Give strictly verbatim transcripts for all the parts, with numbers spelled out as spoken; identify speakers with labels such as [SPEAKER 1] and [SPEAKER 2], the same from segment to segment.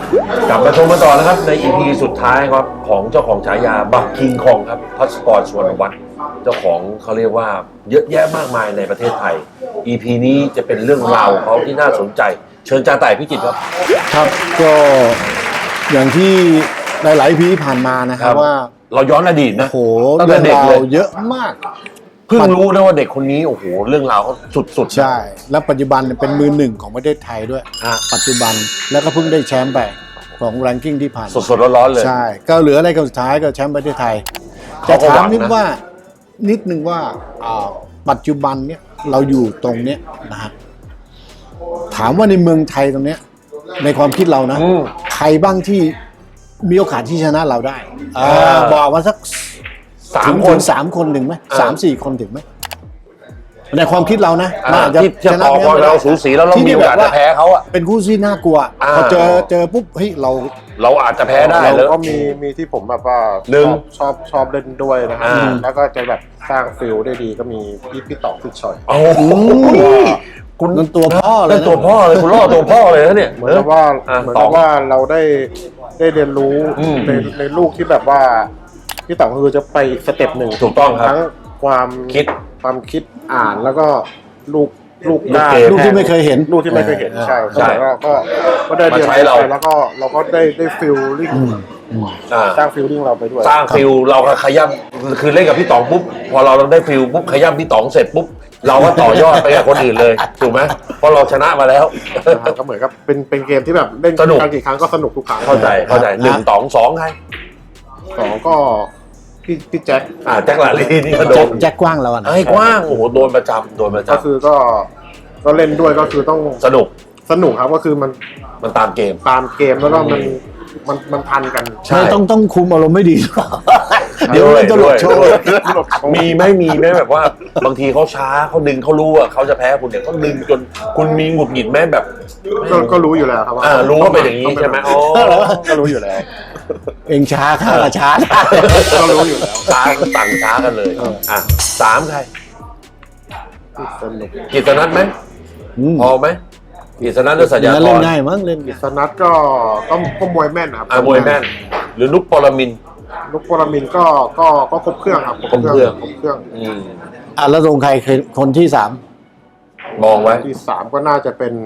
[SPEAKER 1] กลับมาชมกันต่อนะครับใน อี พี สุดท้ายครับของเจ้าของฉายาบักคิงคองครับพัสกร สุวรรณวัฒน์เจ้าของเขาเรียกว่าเยอะแยะมากมายในประเทศไทย อี พี นี้จะเป็นเรื่องราวของเขาที่น่าสนใจเชิญจ่าต่ายพิจิตรครับ
[SPEAKER 2] ครับก็อย่างที่หลายๆ พีผ่านมานะครับว่า
[SPEAKER 1] เราย้อนอดีตนะ
[SPEAKER 2] โอ้โหเรื่องราวเยอะมาก
[SPEAKER 1] เพิ่งรู้นะว่าเด็กคนนี้โอ้โหเรื่องราวเขาสุดๆ
[SPEAKER 2] ใช่แล้วปัจจุบันเป็นมือหนึ่งของประเทศไทยด้วยปัจจุบันแล้วก็เพิ่งได้แชมป์ไปของแรงกิ้งที่ผ่าน
[SPEAKER 1] สดๆร้อนๆเลย
[SPEAKER 2] ใช่ก็เหลืออะไรกันสุดท้ายก็แชมป์ประเทศไทยจะถามนิดว่านิดนึงว่าปัจจุบันเนี้ยเราอยู่ตรงเนี้ยนะฮะถามว่าในเมืองไทยตรงเนี้ยในความคิดเรานะใครบ้างที่มีโอกาสที่ชนะเราได้บอกมาสักสามคนสามคนถึงไหมสามสี่คนถึงไหมในความคิดเรานะ
[SPEAKER 1] น่าจะชนะเราสูสีแล้วเรามีโอกาสจะแพ้เขาอ่ะ
[SPEAKER 2] เป็นคู่ที่น่ากลัวพอเจอเจอปุ๊บเฮ้ยเรา
[SPEAKER 1] เราอาจจะแพ้ได้
[SPEAKER 3] แล้วก็มีมีที่ผมแบบว่าชอบชอบเล่นด้วยนะแล้วก็จะแบบสร้างฟิลได้ดีก็มีพี่พี่ต่อพี่ชอย
[SPEAKER 1] โอ้
[SPEAKER 2] คุณนั่นตัวพ่อเลย
[SPEAKER 1] ตัวพ่อเลยคุณล่อตัวพ่อเลยนะเนี่ย
[SPEAKER 3] เหมือนกับว่าเหมือนกับว่าเราได้ได้เรียนรู้ในในลูกที่แบบว่าพี่ต่อคือจะไปอีกสเต็ปหนึ่ง
[SPEAKER 1] ถูกต้องครับ
[SPEAKER 3] ทั้งความ
[SPEAKER 1] คิด
[SPEAKER 3] ความคิดอ่านแล้วก็ลูกลูก
[SPEAKER 2] ได้ลูกที่ไม่เคยเห็น
[SPEAKER 3] ลูกที่ไม่เคยเห็นใช่ใช่ก็ก็ก็ได้เรียนรู้แล้วก็เราก็ได้ได้ฟิลลิ่งสร้างฟิลลิ่งเราไปด้วย
[SPEAKER 1] สร้างฟิลเราขย้ำคือเล่นกับพี่ต๋องปุ๊บพอเราได้ฟิลปุ๊บขย้ำพี่ต๋องเสร็จปุ๊บเราก็ต่อยอดไปกับคนอื่นเลยถูกไหมเพราะเราชนะมาแล้ว
[SPEAKER 3] ก็เหมือนกับเป็นเป็นเกมที่แบบเล่นกันกี่ครั้งก็สนุกทุกครั้ง
[SPEAKER 1] เข้าใจเข้าใจหนึ่งต๋องสองใคร
[SPEAKER 3] สองก็พี่พี่แจ็ค
[SPEAKER 1] อ่าแจ็คลาลีนี่ก็โดน
[SPEAKER 2] แจ็คกว้างแล้วนะ
[SPEAKER 1] ไอ้กว้างโอ้โหโดนประจำโดนประจำ
[SPEAKER 3] ก็คือก็ก็เล่นด้วยก็คือต้อง
[SPEAKER 1] สนุก
[SPEAKER 3] สนุกครับก็คือมัน
[SPEAKER 1] มันตามเกม
[SPEAKER 3] ตามเกมแล้วก็มันมันมันทันกัน
[SPEAKER 2] ใช่ต้องต้องคุมอารมณ์ไม่ดีเดี๋ยวมันจะหลุดโชว์
[SPEAKER 1] มีไม่มีไหมแบบว่าบางทีเขาช้าเขาดึงเขารู้ว่าเขาจะแพ้คุณเนี่ยเขาดึงจนคุณมีหงุดหงิดไหมแบบ
[SPEAKER 3] ก็รู้อยู่แล้วครับ
[SPEAKER 1] ว่ารู้ว่าเป็นอย่างนี้ใช่ไหมอ๋อ
[SPEAKER 3] ก็รู้อยู่แล้ว
[SPEAKER 2] เองช้าข้าก็ช้า
[SPEAKER 3] ก็รู้อยู่แล้ว
[SPEAKER 1] ช้าก็ต่างช้ากันเลยอ่ะสามใคร
[SPEAKER 3] สนุก
[SPEAKER 1] กิตนัทไหมพอไหมกิตนัทหรือสัญญา
[SPEAKER 2] เล่นง่ายมั้งเล่น
[SPEAKER 3] กิตนัทก็ก็ก็มวยแม่นครับ
[SPEAKER 1] มวยแม่นหรือนุกปรมิน
[SPEAKER 3] นุกปรมินก็ก็ก็ครบเครื่องครับ
[SPEAKER 1] ครบเครื่อง
[SPEAKER 3] ครบเครื่อง
[SPEAKER 1] อืม
[SPEAKER 2] อ่ะแล้วตรงใครคนที่สาม
[SPEAKER 1] มองไว้
[SPEAKER 3] ที่สามก็น่าจะเป็น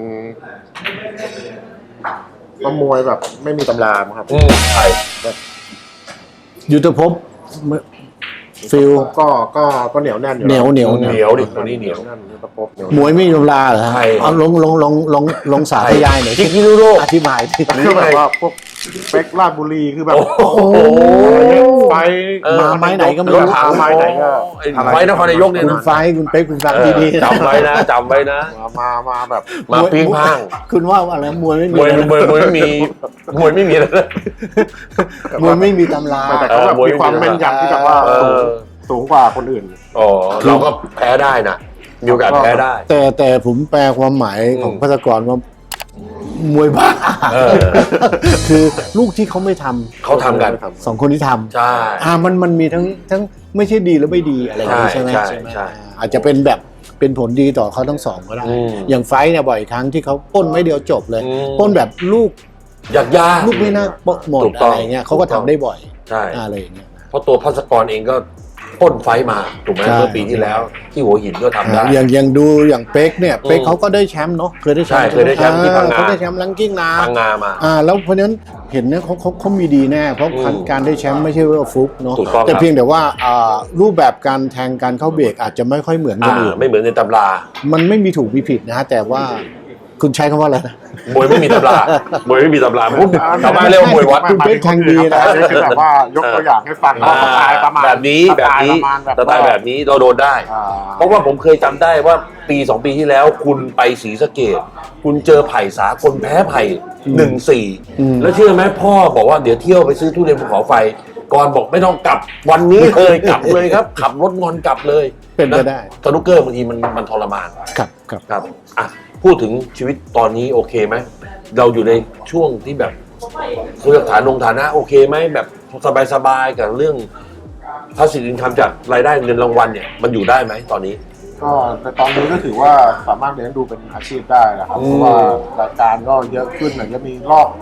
[SPEAKER 3] ก็มวยแบบไม่มีตำราครับ
[SPEAKER 1] อืมใช่
[SPEAKER 3] แบบ
[SPEAKER 2] ยุทธภพฟิล
[SPEAKER 3] ก็ก็ก็เหนียวแน่นอยู่
[SPEAKER 2] เหนียวเหนียว
[SPEAKER 1] เหนียวดิตัวนี้เหนียว
[SPEAKER 2] มวยไม่มีตำราเหรอเอาลงลงลงลงลงสาธยายหน่อย
[SPEAKER 1] ที่กิโลโล
[SPEAKER 2] อธิบายที่
[SPEAKER 3] คือแบบว่าพวกเป๊กลาดบุรีคือแบบ
[SPEAKER 1] โอ้โห
[SPEAKER 3] ไฟ
[SPEAKER 2] มาไม้ไหนก็ไม่
[SPEAKER 3] รู้ไม้ไหนก็
[SPEAKER 1] ไฟนครนายกเนี่ย
[SPEAKER 2] คุณไฟคุณเป๊กคุณฟังดี
[SPEAKER 1] ๆจำไว้นะจำไว้นะ
[SPEAKER 3] มามาแบบ
[SPEAKER 1] มาปิ้งพัง
[SPEAKER 2] คุณว่าอะไรมวยไม่มี
[SPEAKER 1] มวยมวยมวยไม่มีมวยไม่มีเลย
[SPEAKER 2] มวยไม่มีตำรา
[SPEAKER 3] แต่เขาแบบมีความแม่นยำที่แบบว่าสูงกว่าคนอื่น
[SPEAKER 1] อ๋อเราก็แพ้ได้นะมีโอกาสแพ้ได้
[SPEAKER 2] แต่แต่ผมแปลความหมายของพัสกรว่ามวยบ้าคือลูกที่เขาไม่ทำ
[SPEAKER 1] เขาทำกัน
[SPEAKER 2] สองคนที่ทำ
[SPEAKER 1] ใช่
[SPEAKER 2] อ่ามันมันมีทั้งทั้งไม่ใช่ดีและไม่ดีอะไรอย่างนี้ใช่ไหม
[SPEAKER 1] ใช่ใช่
[SPEAKER 2] อาจจะเป็นแบบเป็นผลดีต่อเขาทั้งสองก็ได้อย่างไฟเนี่ยบ่อยครั้งที่เขาป้นไม่เดียวจบเลยป้นแบบลูก
[SPEAKER 1] ยากยาก
[SPEAKER 2] ลูกไม่น่าปหมดอะไรเงี้ยเขาก็ทำได้บ่อย
[SPEAKER 1] ใช่
[SPEAKER 2] อะไรอย่างเงี้ย
[SPEAKER 1] เพราะตัวพัสกรเองก็พ่นไฟมาถูกไหมเมื่อปีที่แล้วที่หัวหินก็ทำได้
[SPEAKER 2] อย่างอย่างดูอย่างเป๊กเนี่ยเป๊กเขาก็ได้แชมป์เนาะเคยได้แชมป์
[SPEAKER 1] เคยได้แชมป์ที่พังงา
[SPEAKER 2] เขาได้แชมป์ลังกิ้งนา
[SPEAKER 1] พังงามา
[SPEAKER 2] อ่าแล้วเพราะฉะนั้นเห็นเนี่ยเขาเขาเขามีดีแน่เพราะการได้แชมป์ไม่ใช่ว่าฟุกเนาะแต่เพียงแต่ว่าอ่ารูปแบบการแทงการเข้าเบรกอาจจะไม่ค่อยเหมือนคนอื่น
[SPEAKER 1] ไม่เหมือนในตำรา
[SPEAKER 2] มันไม่มีถูกมีผิดนะแต่ว่าคุณใช้คำว่าอะไรนะ
[SPEAKER 1] มวยไม่มีตำรามวยไม่มีตำราพูดทำไมเรียกว่ามวยวัด
[SPEAKER 2] คุณเป็นแข่งดีนะ
[SPEAKER 3] คือแบบว่ายกตัวอย่างให้ฟังว่าสไตล์ประมาณ
[SPEAKER 1] แบบนี้แบบนี้สไตล์แบบนี้เราโดนได้เพราะว่าผมเคยจำได้ว่าปีสองปีที่แล้วคุณไปศรีสะเกษคุณเจอไผ่สากลแพ้ไผ่หนึ่งสี่แล้วเชื่อไหมพ่อบอกว่าเดี๋ยวเที่ยวไปซื้อทุเรียนภูเขาไฟก่อนบอกไม่ต้องกลับวันนี้เลยกลับเลยครับขับรถงอนกลับเลย
[SPEAKER 2] เป็นไปได้
[SPEAKER 1] สนุกเกอร์บางทีมันมันทรมาน
[SPEAKER 2] ครับครับ
[SPEAKER 1] ครับอ่ะพูดถึงชีวิตตอนนี้โอเคไหมเราอยู่ในช่วงที่แบบเรื่องฐานลงฐานะโอเคไหมแบบสบายๆกับเรื่องภาษีอินคัมจากรายได้เงินรางวัลเนี่ยมันอยู่ได้ไหมตอนนี้
[SPEAKER 3] ก็ในตอนนี้ก็ถือว่าสามารถเลี้ยงดูเป็นอาชีพได้นะครับเพราะว่ารายการก็เยอะขึ้นหน่อยจะมีรอบ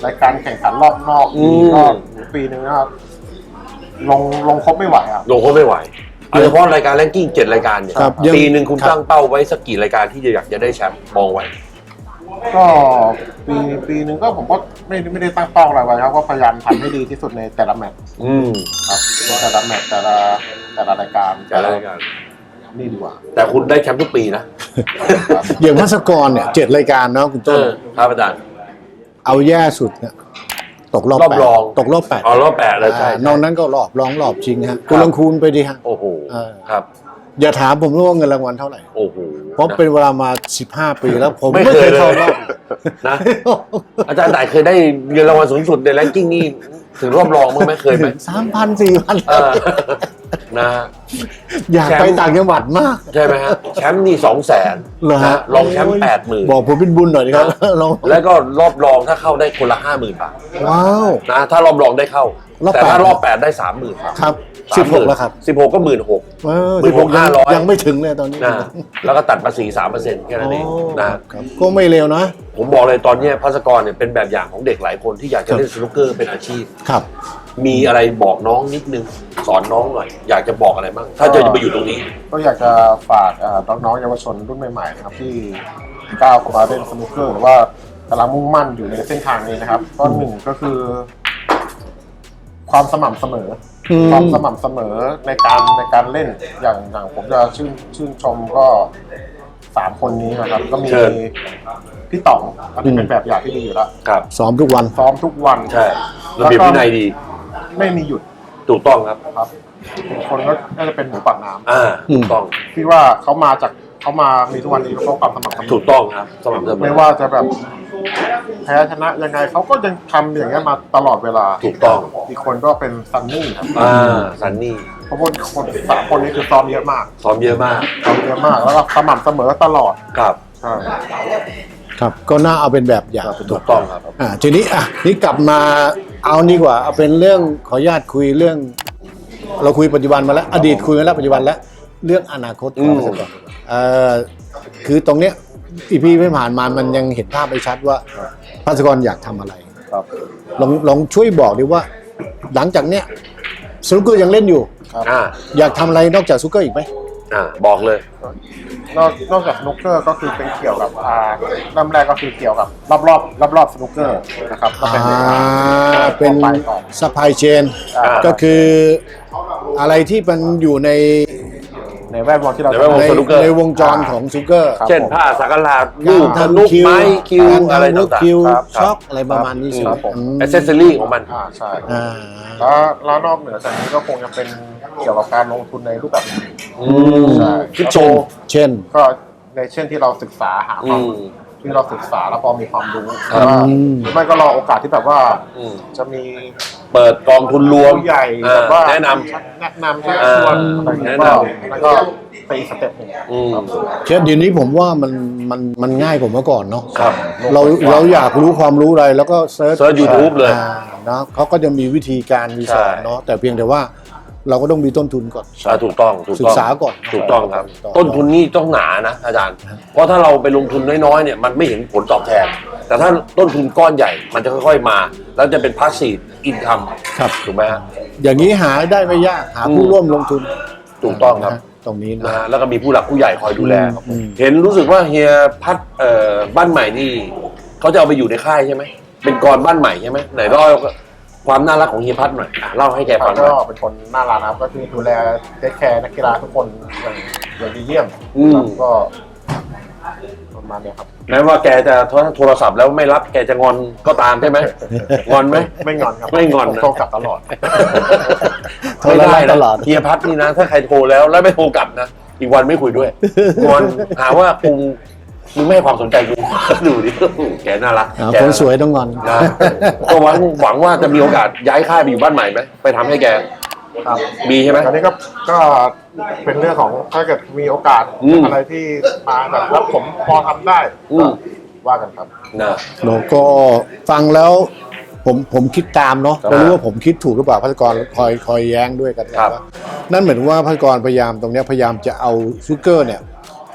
[SPEAKER 3] รายการแข่งขันรอบนอก
[SPEAKER 1] อืม
[SPEAKER 3] ก็ปีหนึ่งนะครับลงลงครบไม่ไหวครับ
[SPEAKER 1] ลงเขาไม่ไหวโดยเฉพาะรายการแรงกิ้งเจ็ดรายการเนี่ย
[SPEAKER 2] ครับยัง
[SPEAKER 1] ปีหนึ่งคุณ
[SPEAKER 2] ครับ
[SPEAKER 1] ตั้งเป้าไว้สักกี่รายการที่จะอยากจะได้แชมป์มองไว้
[SPEAKER 3] ก็ปีปีหนึ่งก็ผมก็ไม่ไม่ได้ตั้งเป้าอะไรไว้ครับก็พยายามทำให้ดีที่สุดในแต่ละแมตช์
[SPEAKER 1] อืม
[SPEAKER 3] ครับแต่ละแมตช์แต่ละแต่ละรายการ
[SPEAKER 1] แต่ละรายการ
[SPEAKER 3] นี่ดีกว่า
[SPEAKER 1] แต่คุณได้แชมป์ทุกปีนะ
[SPEAKER 2] อย่างพัสกรเนี่ยเจ็ดรายการเนาะคุณ
[SPEAKER 1] เอ
[SPEAKER 2] ต้น
[SPEAKER 1] อครับอาจารย์
[SPEAKER 2] เอาแย่สุดเนี่ยตกรอบ
[SPEAKER 1] รอบ
[SPEAKER 2] แปด
[SPEAKER 1] รอง
[SPEAKER 2] ตกรอบแปด
[SPEAKER 1] อ๋อรอบแปดเลยใช่
[SPEAKER 2] อ่านอกนั้นก็รอบรองรอบชิงฮะ
[SPEAKER 1] ครั
[SPEAKER 2] คุณ
[SPEAKER 1] บ
[SPEAKER 2] ลองคูณไปดิฮะ
[SPEAKER 1] โอ้โห
[SPEAKER 2] เออ
[SPEAKER 1] ครับ
[SPEAKER 2] อย่าถามผมว่าเงินรางวัลเท่าไหร่
[SPEAKER 1] โอ้โห
[SPEAKER 2] เพราะเป็นเวลามาสิบห้าปีแล้วผม
[SPEAKER 1] ไม่
[SPEAKER 2] ไม่
[SPEAKER 1] เค
[SPEAKER 2] เค
[SPEAKER 1] ย
[SPEAKER 2] ยเข้ารอบ
[SPEAKER 1] นะ อาจารย์ไหนเคยได้เงินรางวัลสูงสุดในแรงกิ้งนี่ถึงรอบรองมั้างไหมเคยไหม
[SPEAKER 2] สามพันสี่พัน
[SPEAKER 1] เออนะ
[SPEAKER 2] อยากไปต่างจังหวัดมาก
[SPEAKER 1] ใช่ไหมฮะแชมป์นี่สองแสน
[SPEAKER 2] เหรอฮะ
[SPEAKER 1] รองแชมป์แปดหมื่น
[SPEAKER 2] บอกผมเป็นบุญหน่อยนะครับลอง
[SPEAKER 1] แล้วก็รอบรองถ้าเข้าได้คนละห้าหมื่นบาท
[SPEAKER 2] ว้าว
[SPEAKER 1] นะถ้ารอบรองได้เข้า
[SPEAKER 2] รอบ
[SPEAKER 1] แต่
[SPEAKER 2] แปด
[SPEAKER 1] ถ้ารอบแปดได้สามหมื่น
[SPEAKER 2] ครับสิบหกแล้วครับ
[SPEAKER 1] สิบหกก็หมื่นหก
[SPEAKER 2] เออ
[SPEAKER 1] หมื่
[SPEAKER 2] สิ
[SPEAKER 1] น
[SPEAKER 2] บ
[SPEAKER 1] ห
[SPEAKER 2] ห
[SPEAKER 1] ก
[SPEAKER 2] ก
[SPEAKER 1] ห้า
[SPEAKER 2] ยัง
[SPEAKER 1] ร้อย
[SPEAKER 2] ยังไม่ถึงเลยตอนนี้
[SPEAKER 1] นะแล้วก็ตัดภาษีสามเปอร์เซ็นต์แค่นั้นเอง
[SPEAKER 2] โอ้
[SPEAKER 1] นะ
[SPEAKER 2] ครับก็ไม่เร็วนะ
[SPEAKER 1] ผมบอกเลยตอนเนี้ยพัสกรเนี่ยเป็นแบบอย่างของเด็กหลายคนที่อยากจะเล่นสนุกเกอร์เป็นอาชีพ
[SPEAKER 2] ครับ
[SPEAKER 1] มีอะไรบอกน้องนิดนึงสอนน้องหน่อย อยากจะบอกอะไรบ้างถ้าจะไปอยู่ตรงนี้
[SPEAKER 3] ก็อยากจะฝากเอ่อน้องๆเยาวชนรุ่นใหม่ๆนะครับที่ก้าวเข้ามาเล่นสนุกเกอร์หรือว่ากำลังมุ่งมั่นอยู่ในเส้นทางนี้นะครับก็หนึ่งก็คือ ความสม่ำเสมออ
[SPEAKER 2] ม
[SPEAKER 3] ความสม่ำเสมอในการในการเล่นอย่างอย่างผมจะชื่นชื่นชมก็สามคนนี้นะครับ ก็มี
[SPEAKER 1] เชิญ
[SPEAKER 3] พี่ต๋องอันนี้เป็นแบบอย่างที่ดีอยู่แล้ว
[SPEAKER 1] ครับ
[SPEAKER 2] ซ้อมทุกวัน
[SPEAKER 3] ซ้อมทุกวัน
[SPEAKER 1] ใช่ระเบียบวินัยดี
[SPEAKER 3] ไม่มีหยุด
[SPEAKER 1] ถูกต้องครับ
[SPEAKER 3] ครับอีกคนก็น่าจะเป็นหมูปากน้ำ
[SPEAKER 1] อ่าถูกต้อง
[SPEAKER 3] ที่ว่าเขามาจากเขามามีทุกวันนี้เพราะความสมัครสม
[SPEAKER 1] ถูกต้องครับสม่ำเสมอ
[SPEAKER 3] ไม่ว่าจะแบบแพ้ชนะยังไงเขาก็ยังทำอย่างเงี้ยมาตลอดเวลา
[SPEAKER 1] ถูกต้อง
[SPEAKER 3] อีกคนก็เป็นซันนี่ครับ
[SPEAKER 1] อ่าซันนี่
[SPEAKER 3] เพราะว่าคนสามคนนี้คือซ้อมเยอะมาก
[SPEAKER 1] ซ้อมเยอะมาก
[SPEAKER 3] ซ้อมเยอะมากแล้วก็สม่ำเสมอตลอด
[SPEAKER 1] ครับ
[SPEAKER 3] ใช่
[SPEAKER 2] ครับ ก็น่าเอาเป็นแบบอย่าง
[SPEAKER 1] ถูกต้องครับ
[SPEAKER 2] อ่าทีนี้อ่ะนี่กลับมาเอานี่กว่าเอาเป็นเรื่องขออนุญาตคุยเรื่อง เราคุยปัจจุบันมาแล้ว อดีตคุยมาแล้วปัจจุบันแล้วเรื่องอนาคตของ
[SPEAKER 1] อืม
[SPEAKER 2] พัสกรเอ่อคือตรงเนี้ยอีพีไม่ผ่านมามันยังเห็นภาพไม่ชัดว่าพัสกรอยากทำอะไร
[SPEAKER 3] ครับ
[SPEAKER 2] ลองลองช่วยบอกดิว่า หลังจากเนี้ยสนุกเกอร์ยังเล่นอยู่
[SPEAKER 1] อ่า
[SPEAKER 2] อยากทำอะไรนอกจากสนุกเกอร์อีกไหม
[SPEAKER 1] อ่าบอกเลย
[SPEAKER 3] นอกนอกจากสนุกเกอร์ก็คือเป็นเกี่ยวกับอ่าเริ่มแรกก็คือเกี่ยวกับรอบรอบรอบรอบๆสนุกเกอร์นะครับก็
[SPEAKER 2] อ่
[SPEAKER 3] เป็น
[SPEAKER 2] าเป็น
[SPEAKER 3] ไปก่อน
[SPEAKER 2] ซัพพลายเชน
[SPEAKER 3] อ่า
[SPEAKER 2] ก็คืออะไรที่มันอยู่ใน
[SPEAKER 3] ในแวดวงที่เรา
[SPEAKER 1] ในแวดวง
[SPEAKER 2] ใน
[SPEAKER 1] สนุกเกอร์
[SPEAKER 2] ในวงจรของสนุกเกอร์
[SPEAKER 3] ครับ
[SPEAKER 1] เช่นผ้าสักการะลูก
[SPEAKER 2] การ
[SPEAKER 1] สนุก
[SPEAKER 2] ทำคิว
[SPEAKER 1] ไม้คิว
[SPEAKER 2] การ
[SPEAKER 1] อะไร
[SPEAKER 2] ทำลูก
[SPEAKER 1] ต่าง
[SPEAKER 2] คิว
[SPEAKER 3] ครับ
[SPEAKER 2] ช็อกอะไรประมาณนี้
[SPEAKER 3] ค
[SPEAKER 2] ใช่
[SPEAKER 3] รับผม
[SPEAKER 2] อืม
[SPEAKER 1] ๆอ c เซสซอรี่ของมัน
[SPEAKER 3] อ่าใช่
[SPEAKER 2] อ่า
[SPEAKER 3] แล้วแล้วนอกเหนือจากนี้ก็คงจะเป็นเกี่ยวกับการลงทุนในรูปแบบอื่น
[SPEAKER 1] อืม
[SPEAKER 3] ใช่
[SPEAKER 1] คริปโต
[SPEAKER 2] เช่น
[SPEAKER 3] ก็ในเช่นที่เราศึกษาหาความ
[SPEAKER 1] อืม
[SPEAKER 3] ที่เราศึกษาแล้วพอมีความรู้
[SPEAKER 1] ครับ
[SPEAKER 3] ว่า
[SPEAKER 2] อืม
[SPEAKER 3] หรือไม่ก็รอโอกาสที่แบบว่า
[SPEAKER 1] อืม
[SPEAKER 3] จะมี
[SPEAKER 1] เปิดกองทุนรวม
[SPEAKER 3] ผู้ใหญ่
[SPEAKER 1] อ่า
[SPEAKER 3] แบบว่า
[SPEAKER 1] แนะน
[SPEAKER 3] แนะนำชัก
[SPEAKER 1] อ่า
[SPEAKER 3] ชวนอะไรอย่างเงี้ย
[SPEAKER 1] แนะ
[SPEAKER 3] ก็
[SPEAKER 1] นำ
[SPEAKER 3] แล้วก็ไปอีกสเต็ปหนึ่ง
[SPEAKER 1] อืม
[SPEAKER 3] ครับ
[SPEAKER 2] เช่นเดี๋ยวนี้ผมว่ามันมันมันง่ายกว่าเมื่อก่อนเนาะ
[SPEAKER 1] ครับ
[SPEAKER 2] เราเราอยากรู้ความรู้อะไรแล้วก็เซิร์ช
[SPEAKER 1] เซิร์ช YouTube เลย
[SPEAKER 2] อ่านะเขาก็จะมีวิธีการมีสอน
[SPEAKER 1] ใช่
[SPEAKER 2] เนาะแต่เพียงแต่ว่าเราก็ต้องมีต้นทุนก่อน
[SPEAKER 1] อ่าถูกต้องถูก
[SPEAKER 2] ศึ
[SPEAKER 1] ต้
[SPEAKER 2] ก
[SPEAKER 1] อง
[SPEAKER 2] ษาก่อน
[SPEAKER 1] ถูกต้องครับ
[SPEAKER 2] ถูกต้อง
[SPEAKER 1] ต้นทุนนี่ต้องหนานะอาจารย์ เพราะถ้าเราไปลงทุนน้อยๆเนี่ยมันไม่เห็นผลตอบแทน แต่ถ้าต้นทุนก้อนใหญ่มันจะค่อยๆมา แล้วจะเป็นพาสซีฟอินคัม
[SPEAKER 2] ครับ
[SPEAKER 1] ถูกไหมฮะ
[SPEAKER 2] อย่างนี้หาได้ไม่ยากหาผู้
[SPEAKER 1] อืม
[SPEAKER 2] ร่วมลงทุน
[SPEAKER 1] ถูกต้องครับ
[SPEAKER 2] นะตรงนี้นะ
[SPEAKER 1] นะฮะแล้วก็มีผู้หลักผู้ใหญ่คอยดูแล
[SPEAKER 2] อืม
[SPEAKER 1] เห็นรู้สึกว่าเฮียพัดเอ่อบ้านใหม่นี่เขาจะเอาไปอยู่ในค่ายใช่ไหมเป็นกรบ้านใหม่ใช่ไหมไหนเล่าความน่ารักของเฮียพัดหน่อยอ่ะเล่าให้แกฟังหน่
[SPEAKER 3] ก็
[SPEAKER 1] อย
[SPEAKER 3] เป็นคนน่ารักนะครับก็คือดูแลเทคแคร์นักกีฬาทุกคนอย่างอย่างดีเยี่ยม
[SPEAKER 1] อืม
[SPEAKER 3] ครับก็ประมาณเนี้ยครับ
[SPEAKER 1] แม้ว่าแกจะโทรศัพท์แล้วไม่รับแกจะงอนก็ตามใช่ไหมงอนไหม
[SPEAKER 3] ไม่งอนครับ
[SPEAKER 1] ไม่งอนนะ
[SPEAKER 3] โทรกลับตลอด
[SPEAKER 2] โทร
[SPEAKER 1] ไม่ได้
[SPEAKER 2] ต
[SPEAKER 1] นะ
[SPEAKER 2] ลอด
[SPEAKER 1] เฮียพัดนี่นะ ถ้าใครโทรแล้วแล้วไม่โทรกลับนะอีกวันไม่คุยด้วยงอนหาว่ากูมึงไม่ให้ความสนใจกูดูดิแกน่ารัก
[SPEAKER 2] อ่า
[SPEAKER 1] แก
[SPEAKER 2] คนสวยต้องงอน
[SPEAKER 1] นะก็หวังหวังว่าจะมีโอกาสย้ายค่ายไปอยู่บ้านใหม่ไหมไปทำให้แก
[SPEAKER 3] ครับ
[SPEAKER 1] มีใช่ไหม
[SPEAKER 3] ตอนนี้ก็ก็เป็นเรื่องของถ้าเกิดมีโอกาส
[SPEAKER 1] อืม
[SPEAKER 3] อะไรที่มาแบบแล้วผมพอทำได้
[SPEAKER 1] อืม
[SPEAKER 3] ก็ว่ากันครับ
[SPEAKER 1] นะ
[SPEAKER 2] เราก็ฟังแล้วผมผมคิดตามเนาะ
[SPEAKER 1] ครับ
[SPEAKER 2] ไม่รู้ว่าผมคิดถูกหรือเปล่าพัฒกรคอยคอยแย้งด้วยกัน
[SPEAKER 1] ครับ
[SPEAKER 2] ว่านั่นเหมือนว่าพัฒกรพยายามตรงเนี้ยพยายามจะเอาซูเกอร์เนี่ยไป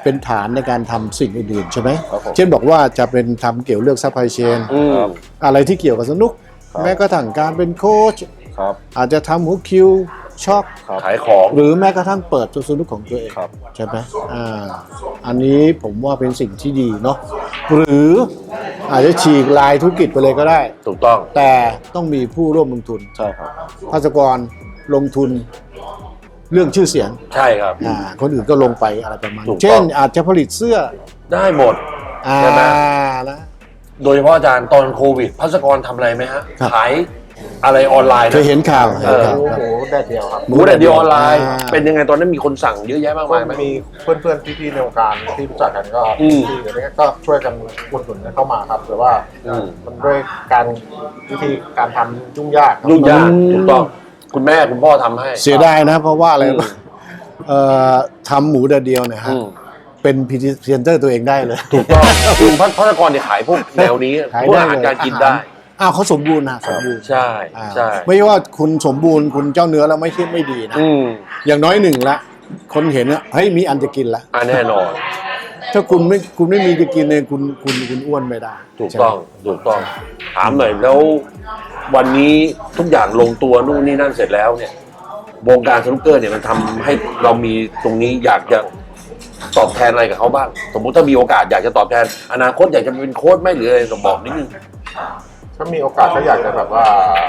[SPEAKER 2] เป็นฐานในการทำสิ่งอื่นๆใช่ไหม
[SPEAKER 3] ครับผม
[SPEAKER 2] เช่นบอกว่าจะเป็นทำเกี่ยวเรื่องซัพพลายเชน
[SPEAKER 1] อืม
[SPEAKER 2] อะไรที่เกี่ยวกับสนุก
[SPEAKER 3] ครับ
[SPEAKER 2] แม้กระทั่งการเป็นโค้ช
[SPEAKER 3] ครับ
[SPEAKER 2] อาจจะทำหัวคิวช็อก
[SPEAKER 3] ครับ
[SPEAKER 1] ขายของ
[SPEAKER 2] หรือแม้กระทั่งเปิดตัวสนุกของตัวเอง
[SPEAKER 3] ครับ
[SPEAKER 2] ใช่ไหมอ่าอันนี้ผมว่าเป็นสิ่งที่ดีเนาะหรืออาจจะฉีกลายธุรกิจไปเลยก็ได้
[SPEAKER 1] ถูกต้อง
[SPEAKER 2] แต่ต้องมีผู้ร่วมลงทุน
[SPEAKER 3] ใช่ครับ
[SPEAKER 2] ภาสกรลงทุนเรื่องชื่อเสียง
[SPEAKER 1] ใช่ครับ
[SPEAKER 2] อ่าคนอื่นก็ลงไปอะไรประมาณ
[SPEAKER 1] ถูกต้อง
[SPEAKER 2] เช่นอาจจะผลิตเสื้อ
[SPEAKER 1] ได้หมด
[SPEAKER 2] อ่า
[SPEAKER 1] ใช่ไหม
[SPEAKER 2] นะ
[SPEAKER 1] โดยเฉพาะอาจารย์ตอนโควิดพัสกรทำอะไรไหมฮะ
[SPEAKER 2] ครับ
[SPEAKER 1] ขายอะไรออนไลน์
[SPEAKER 2] เคยเห็นข่าว
[SPEAKER 1] เอ
[SPEAKER 2] เห็น
[SPEAKER 1] อ
[SPEAKER 2] ข่าว
[SPEAKER 3] หมู
[SPEAKER 2] ครับ
[SPEAKER 3] หมูแดดเดียวครับ
[SPEAKER 1] หมูแดดเดียวออนไลน์
[SPEAKER 2] อ่า
[SPEAKER 1] เป็นยังไงตอนนั้นมีคนสั่งเยอะแยะมาก
[SPEAKER 3] ก็
[SPEAKER 1] มายไหม
[SPEAKER 3] มีเพื่อนๆพี่ๆในวงการที่รู้จักกันก็
[SPEAKER 1] อืม
[SPEAKER 3] ที่เดี๋ยวนี้ก็ช่วยกันอุดหนุนกันเข้ามาครับแต่ว่า
[SPEAKER 1] อืม
[SPEAKER 3] มันด้วยการวิธีการทำยุ่งยากครับ
[SPEAKER 1] ยุ่งยาก
[SPEAKER 2] อืม
[SPEAKER 1] ถูกต้องคุณแม่คุณพ่อทำให้
[SPEAKER 2] เสียดายนะ เพราะว่าอะไร
[SPEAKER 1] อืม
[SPEAKER 2] เอ่อทำหมูแดดเดียวเนี่ยฮะ
[SPEAKER 1] อืม
[SPEAKER 2] เป็นพรีเซนเตอร์ตัวเองได้เลย
[SPEAKER 1] ถูกต้องคือพัพัสกรเนี่ยขายพวกแนวนี้
[SPEAKER 2] ขาย
[SPEAKER 1] พวก
[SPEAKER 2] ได้
[SPEAKER 1] อาหาร
[SPEAKER 2] เลย
[SPEAKER 1] การกินได้
[SPEAKER 2] อ้าวเขาสมบูรณ์นะสมบูรณ์
[SPEAKER 1] ใช่
[SPEAKER 2] อ่า
[SPEAKER 1] ใช่
[SPEAKER 2] ไม่ว่าคุณสมบูรณ์คุณเจ้าเนื้อแล้วไม่ใช่ไม่ดีนะ
[SPEAKER 1] อืม
[SPEAKER 2] อย่างน้อยหนึ่งละคนเห็นว่าเฮ้ยมีอันจะกินละ
[SPEAKER 1] อ่าแน่นอน
[SPEAKER 2] ถ้าคุณไม่คุณไม่มีจะกินเนี่ยคุณคุณคุณอ้วนไม่ได้
[SPEAKER 1] ถูกต้องถูกต้องถามหน่อยแล้ววันนี้ทุกอย่างลงตัวนู่นนี่นั่นเสร็จแล้วเนี่ยวงการสนุกเกอร์เนี่ยมันทำให้เรามีตรงนี้อยากจะตอบแทนอะไรกับเขาบ้าง สมมุติถ้ามีโอกาสอยากจะตอบแทน อนาคตอยากจะเป็นโค้ชไหมหรืออะไรต้องบอกนิดนึง
[SPEAKER 3] ถ้ามีโอกาสก็อยากจะแบบว่า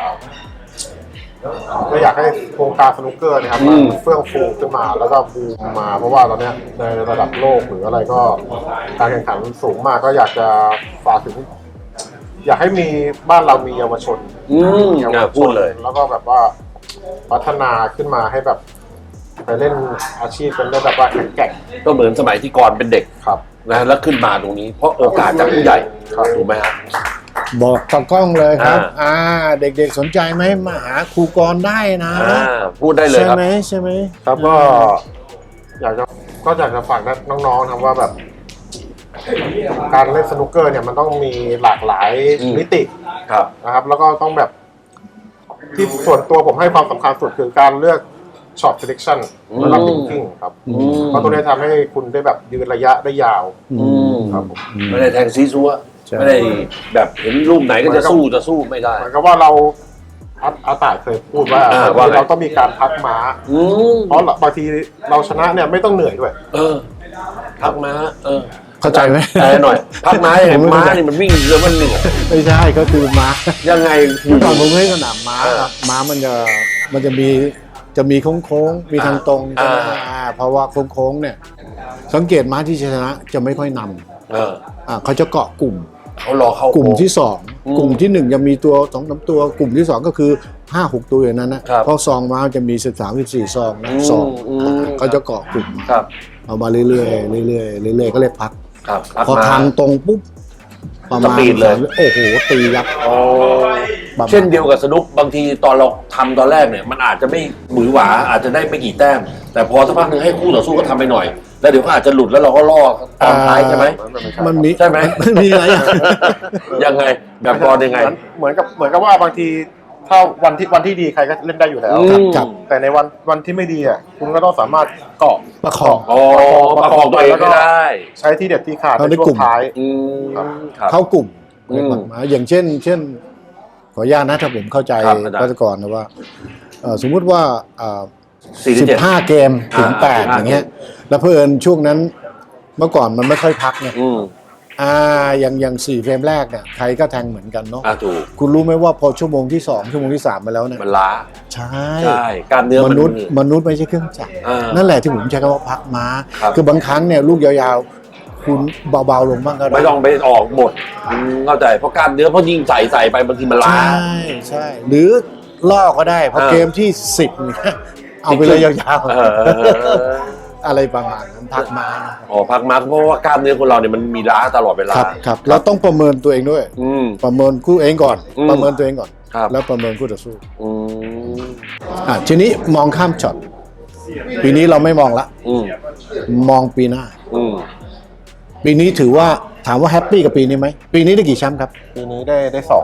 [SPEAKER 3] ก็อยากให้วงการสนุกเกอร์นะครับ
[SPEAKER 1] อื
[SPEAKER 3] มัน
[SPEAKER 1] ม
[SPEAKER 3] เฟื่องฟูขึ้นมาแล้วก็บูมมา เพราะว่าตอนเนี้ยในระดับโลกหรืออะไรก็การแข่งขันสูงมากก็อยากจะฝากถึง อยากให้มีบ้านเรามีเยาวชน
[SPEAKER 1] อืม
[SPEAKER 3] เยาว
[SPEAKER 1] อ่ะ
[SPEAKER 3] ช
[SPEAKER 1] พูด
[SPEAKER 3] น
[SPEAKER 1] เลย
[SPEAKER 3] แล้วก็แบบว่าพัฒนาขึ้นมาให้แบบไปเล่นอาชีพเป็นได้แบบว่าแข็งแกร่ง
[SPEAKER 1] ก็เหมือนสมัยที่ก่อนเป็นเด็ก
[SPEAKER 3] ครับ
[SPEAKER 1] นะแล้วขึ้นมาตรงนี้ เพราะโอกาสจากผู้ใหญ่
[SPEAKER 3] ครับ
[SPEAKER 1] ถูกไหมฮะ
[SPEAKER 2] บอกกับกล้องเลยครับ
[SPEAKER 1] อ่า
[SPEAKER 2] อ่า เด็กๆสนใจไหมมาหาครูกรได้นะ
[SPEAKER 1] อ่าพูดได้เลย
[SPEAKER 2] ใช่
[SPEAKER 1] ครับ
[SPEAKER 2] ไหมใช่ไหม
[SPEAKER 3] ครับก็อยากจะก็อยากจะฝากน้องๆนะครับว่าแบบ การเล่นสนุกเกอร์เนี่ยมันต้องมีหลากหลาย
[SPEAKER 1] อืม
[SPEAKER 3] มิติ
[SPEAKER 1] ครับ
[SPEAKER 3] นะครับ แล้วก็ต้องแบบที่ส่วนตัวผมให้ความสำคัญสุดคือการเลือกช็อต selection และรับ thinking ครับ
[SPEAKER 1] อืม
[SPEAKER 3] เพราะตัวนี้ทำให้คุณได้แบบยืนระยะได้ยาว
[SPEAKER 1] อืม
[SPEAKER 3] ครับผม
[SPEAKER 1] ไม่ได้แทงซีซัว
[SPEAKER 2] ใช่
[SPEAKER 1] ไม่ได้แบบเห็นรูปไหนก็จะสู้จะสู้ไม่ได้
[SPEAKER 3] เหมือนกับว่าเราอาอาตายเคยพูดว่า
[SPEAKER 1] อ่าว่าไง
[SPEAKER 3] เราต้องมีการพักม้า
[SPEAKER 1] อืม
[SPEAKER 3] เพราะบางทีเราชนะเนี่ยไม่ต้องเหนื่อยด้วย
[SPEAKER 1] เออ พักม้า เออ
[SPEAKER 2] เข้าใจไหม
[SPEAKER 1] แปลหน่อย พักม้ายังไง
[SPEAKER 2] ผมไม่
[SPEAKER 1] ม้า
[SPEAKER 2] เข้าใจ
[SPEAKER 1] นี่มันวิ่งแล้วมันเหนื่อย
[SPEAKER 2] ไม่ใช่ก็คือม้า
[SPEAKER 1] ยังไง
[SPEAKER 2] เมื่อก่อนผมเล่นสนามม้า
[SPEAKER 1] เออ
[SPEAKER 2] ครับม้ามันจะมันจะมีจะมีโค้งๆมีทางตรงใช่ไหม
[SPEAKER 1] อ่า
[SPEAKER 2] อ่าเพราะว่าโค้งๆเนี่ย สังเกตม้าที่ชนะจะไม่ค่อยน
[SPEAKER 1] เออ
[SPEAKER 2] ำอ่าเขาจะเกาะกลุ่ม
[SPEAKER 1] เขารอเข้าก
[SPEAKER 2] ลุ่มที่สอง
[SPEAKER 1] อืม
[SPEAKER 2] กลุ่มที่หนึ่งจะมีตัวสองสามตัวกลุ่มที่สองก็คือห้าหกตัวอย่างนั้นนะครับ เพราะซองม้าจะมีสิบสามสิบสี่ซองนะ
[SPEAKER 1] อืม
[SPEAKER 2] ซอง
[SPEAKER 1] อืม
[SPEAKER 2] เขาจะเกาะกลุ่มมา
[SPEAKER 1] ครับ
[SPEAKER 2] เอามาเรื่อยๆเรื่อยๆเรื่อยๆก็เรียกพัก
[SPEAKER 1] ครับพัก
[SPEAKER 2] พอ
[SPEAKER 1] ม้า
[SPEAKER 2] ทางตรงปุ๊บประมาณ
[SPEAKER 1] สปีดเลย
[SPEAKER 2] สามโอ้โหตียับ
[SPEAKER 1] โอ้
[SPEAKER 2] ประมาณ
[SPEAKER 1] เช่นเดียวกับสนุกบางทีตอนเราทำตอนแรกเนี่ยมันอาจจะไม่หมือหวาอาจจะได้ไม่กี่แต้ม แต่พอสักพักหนึ่งให้คู่ต่อสู้ก็ทำไปหน่อย แล้วเดี๋ยวก็อาจจะหลุดแล้วเราก็ล่อตอนท้ายใช่ไหม
[SPEAKER 2] มันมี
[SPEAKER 1] ใช่ไหม
[SPEAKER 2] มันมีอะไรอย่าง
[SPEAKER 1] ยังไงแบบบอลยังไง
[SPEAKER 3] เหมือนกับเหมือนกับว่าบางทีถ้าวันที่วันที่ดีใครก็เล่นได้อยู่แล้ว
[SPEAKER 1] อืม
[SPEAKER 2] ครับ
[SPEAKER 3] แต่ในวันวันที่ไม่ดีอ่ะคุณก็ต้องสามารถเกาะ
[SPEAKER 2] ประคอง
[SPEAKER 1] อ๋อประคองตัวเองไม่ได้
[SPEAKER 3] ใช้ที่เด็ดที่ขาด
[SPEAKER 2] เขา
[SPEAKER 3] ใน
[SPEAKER 2] ได้
[SPEAKER 3] ช่ว
[SPEAKER 2] กลุ่
[SPEAKER 3] ง
[SPEAKER 2] ม
[SPEAKER 3] ท้าย
[SPEAKER 1] อืม
[SPEAKER 3] ครับ
[SPEAKER 1] ครับ
[SPEAKER 2] เข้ากลุ่ม
[SPEAKER 1] อืม
[SPEAKER 2] มาอย่างเช่น เช่น ขออนุญาตนะถ้าผมเข้าใจ
[SPEAKER 1] ครับอาจารย์
[SPEAKER 2] รัฐกรนะว่าเอ่อสมมุติว่าอ่า
[SPEAKER 1] สี่สิ
[SPEAKER 2] สิ
[SPEAKER 1] บเจ็ด
[SPEAKER 2] บห้าเกมถึง
[SPEAKER 1] อ่า
[SPEAKER 2] แปด
[SPEAKER 1] สิบห้า
[SPEAKER 2] อย่างเงี้ย แล้วเพื่อนช่วงนั้นเมื่อก่อนมันไม่ค่อยพักเนี่ย
[SPEAKER 1] อืม
[SPEAKER 2] อ่าอย่างอย่างสี่เฟรมแรกเนี่ยใครก็แทงเหมือนกันเนาะ
[SPEAKER 1] อ่ะถูก
[SPEAKER 2] คุณรู้ไหมว่าพอชั่วโมงที่สองชั่วโมงที่สามไปแล้วเนี่ย
[SPEAKER 1] มันล้า
[SPEAKER 2] ใช่
[SPEAKER 1] ใช่กล้ามเนื้อ
[SPEAKER 2] ม
[SPEAKER 1] มัน
[SPEAKER 2] นุษย์มนุษย์ไม่ใช่เครื่องจักร
[SPEAKER 1] อ่านั่
[SPEAKER 2] นั่นแหละที่ผมใช้คำว่าพักม้า
[SPEAKER 1] ครับ
[SPEAKER 2] คือบางครั้งเนี่ยลูกยาวๆ คุณเบาๆลงบ้างก็ได้
[SPEAKER 1] ไม่ต้องไปออกหมดอืมเข้าใจเพราะกล้ามเนื้อเพราะยิ่งใส่ใส่ไปบางทีมันล้า
[SPEAKER 2] ใช่ใช่หรือล่อก็ได้พอ
[SPEAKER 1] เออ
[SPEAKER 2] เกมที่สิบเนี่ยเอาไปเลยยาว
[SPEAKER 1] เออ
[SPEAKER 2] ๆ อะไรประมาณนั้นพักม้านะครับ
[SPEAKER 1] อ๋อพักมาเพราะว่ากล้ามเนื้อคนเราเนี่ยมันมีล้าตลอดเวลา
[SPEAKER 2] ครับครับเราต้องประเมินตัวเองด้วย
[SPEAKER 1] อืม
[SPEAKER 2] ประเมินคู่เองก่อน
[SPEAKER 1] อืม
[SPEAKER 2] ประเมินตัวเองก่อน
[SPEAKER 1] ครับ
[SPEAKER 2] แล้วประเมินคู่ต่อสู้
[SPEAKER 1] อืม
[SPEAKER 2] อ่ะทีนี้มองข้ามช็อตปีนี้เราไม่มองละ
[SPEAKER 1] อืม
[SPEAKER 2] มองปีหน้า
[SPEAKER 1] อืม
[SPEAKER 2] ปีนี้ถือว่าถามว่าแฮปปี้กับปีนี้ไหมปีนี้ได้กี่แชมป์ครับ
[SPEAKER 3] ปีนี้ได้ได้สองครับ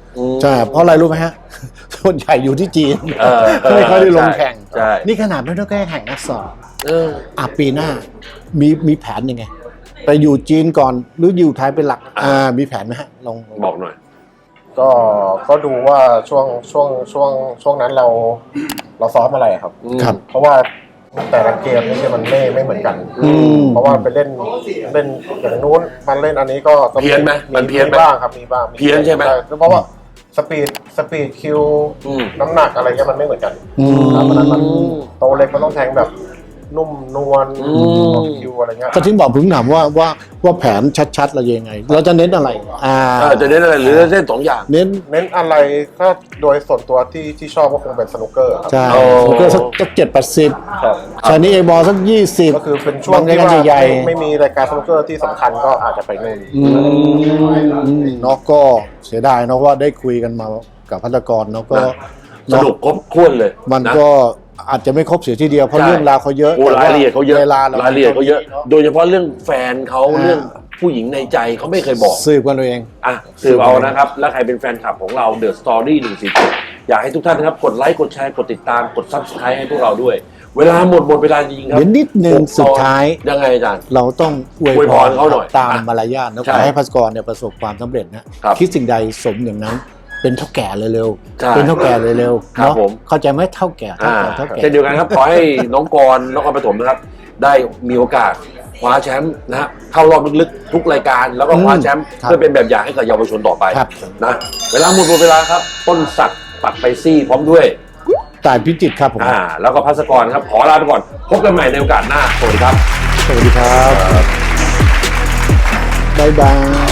[SPEAKER 1] อืม
[SPEAKER 2] ใช่เพราะอะไรรู้ไหมฮะ ส่วนใหญ่อยู่ที่จีน
[SPEAKER 1] เออเออ
[SPEAKER 2] ไม่ค่อยได้ลงแข่ง
[SPEAKER 1] ใช่
[SPEAKER 2] นี่ขนาดไม่ต้องแก้แข่งนัดสอง
[SPEAKER 1] เออ
[SPEAKER 2] อ่ะปีหน้ามีมีแผนยังไง ไปอยู่จีนก่อนหรืออยู่ไทยเป็นหลัก อ่ามีแผนไหมฮะลอง
[SPEAKER 1] บอกหน่อย
[SPEAKER 3] ก็ก็ดูว่าช่วงช่วงช่วงช่วงนั้นเราเราซ้อมอะไรครับ
[SPEAKER 2] ครับ
[SPEAKER 3] เพราะว่าแต่ละเกมนี่มันไม่ไม่เหมือนกัน
[SPEAKER 2] อืม
[SPEAKER 3] เพราะว่าไปเล่นเล่นอย่างนู้นมันเล่นอันนี้ก็ก็
[SPEAKER 1] เพี้ยนไหมมันเพี้ยนไหม
[SPEAKER 3] บ้างครับมีบ้าง
[SPEAKER 1] เพี้ยนใช่ไหม
[SPEAKER 3] เพราะว่าสปีดสปีดคิว
[SPEAKER 1] อืม
[SPEAKER 3] น้ำหนักอะไรเงี้ยมันไม่เหมือนกัน
[SPEAKER 2] อืม
[SPEAKER 3] ครับเพราะฉะนั้นมันโตเล็กมันต้องแทงแบบนุ่มนวล
[SPEAKER 1] อืม
[SPEAKER 3] คิวอะไรเงี้ย
[SPEAKER 2] ก็ถึงบอกผมถามว่าว่าว่าแผนชัดๆเรายังไง เราจะเน้นอะไร อ่า
[SPEAKER 1] เออจะเล่นอะไรหรือจะเล่นสองอย่าง
[SPEAKER 2] เน้น
[SPEAKER 3] เน้นอะไรก็โดยส่วนตัวที่ที่ชอบก็คงเป็นสนุกเกอร์ครับ
[SPEAKER 2] ใช่
[SPEAKER 1] โอ้
[SPEAKER 2] ผมก็สักเจ็ดแปดสิบ
[SPEAKER 3] ครับ
[SPEAKER 2] ชานี้เอบอลสักยี่สิบ
[SPEAKER 3] ก็คือเป็นช่วงที่
[SPEAKER 2] บาง
[SPEAKER 3] ว่า
[SPEAKER 2] ใหญ่
[SPEAKER 3] ไม่ไม่มีรายการสนุกเกอร์ที่สำคัญก็อาจจะไปนู่น
[SPEAKER 2] อืมเนาะก็เสียดายเนาะว่าได้คุยกันมากับพัฒกรเนาะก็
[SPEAKER 1] นะ ส
[SPEAKER 2] เนาะ
[SPEAKER 1] นุกครบถ้วนเลย
[SPEAKER 2] มัน
[SPEAKER 1] นะ
[SPEAKER 2] ก็อาจจะไม่ครบเสียทีเดียวเพราะ
[SPEAKER 1] ใช่
[SPEAKER 2] เรื่องราวเขาเยอะ
[SPEAKER 1] โอ้รายละเอียดเขาเยอะ
[SPEAKER 2] เวลาร
[SPEAKER 1] ายละเอียดเขาเยอะ
[SPEAKER 2] น
[SPEAKER 1] โดยเฉพาะเรื่องแฟนเขา
[SPEAKER 2] อ่า
[SPEAKER 1] เรื่องผู้หญิงในใจเขาไม่เคยบอก
[SPEAKER 2] สืบกันเราเอง
[SPEAKER 1] อ่ะสืบเอานะครับ แล้วใครเป็นแฟนคลับของเรา The Story หนึ่งสี่เจ็ดอยากให้ทุกท่านนะครับ กดไลค์ กดแชร์ กดติดตาม กด Subscribe ให้พวกเราด้วย เวลาหมดหมดเวลาจริงๆครับ
[SPEAKER 2] เดี๋ยวนิดนึง
[SPEAKER 1] หก
[SPEAKER 2] สุดท้าย
[SPEAKER 1] ยังไงอาจารย์
[SPEAKER 2] เราต้องอวย
[SPEAKER 1] อวย
[SPEAKER 2] พ
[SPEAKER 1] พ
[SPEAKER 2] ร
[SPEAKER 1] รเขาหน่อย
[SPEAKER 2] ตาม
[SPEAKER 1] อ่ะ
[SPEAKER 2] มารยาทนะ
[SPEAKER 1] ใช่
[SPEAKER 2] ขอให้พัสกรเนี่ยประสบความสำเร็จนะครับ คิดสิ่งใดสมอย่างนั้น เป็นเท่าแก่เร็ว
[SPEAKER 1] ใช่
[SPEAKER 2] ๆเป็นเท่าแก่เร็วๆ
[SPEAKER 1] ครับ
[SPEAKER 2] เนาะ
[SPEAKER 1] ผม
[SPEAKER 2] เข้าใจไหมเท่าแก่เท่า
[SPEAKER 1] อ่า
[SPEAKER 2] แก่เท่าแก่
[SPEAKER 1] เช่นเดียวกันครับ ขอให้น้องกรณ์นครปฐมนะครับ ได้มีโอกาสคว้าแชมป์นะฮะเข้ารอบลึกๆทุกรายการ แล้วก็คว้าแชมป์
[SPEAKER 2] ครับ
[SPEAKER 1] เพื่อเป็นแบบอย่างให้กับเยาวชนต่อไป
[SPEAKER 2] ครับ
[SPEAKER 1] นะเวลาหมดหมดเวลาครับ ต้นสักดิ์ปักไปซี่พร้อมด้วย
[SPEAKER 2] ต่ายพิจิตรครับผม
[SPEAKER 1] อ่าแล้วก็พัสกรครับ ขอลาไปก่อน พบกันใหม่ในโอกาสหน้า สวัสดีครับ
[SPEAKER 2] สวัสดีครับบ๊ายบาย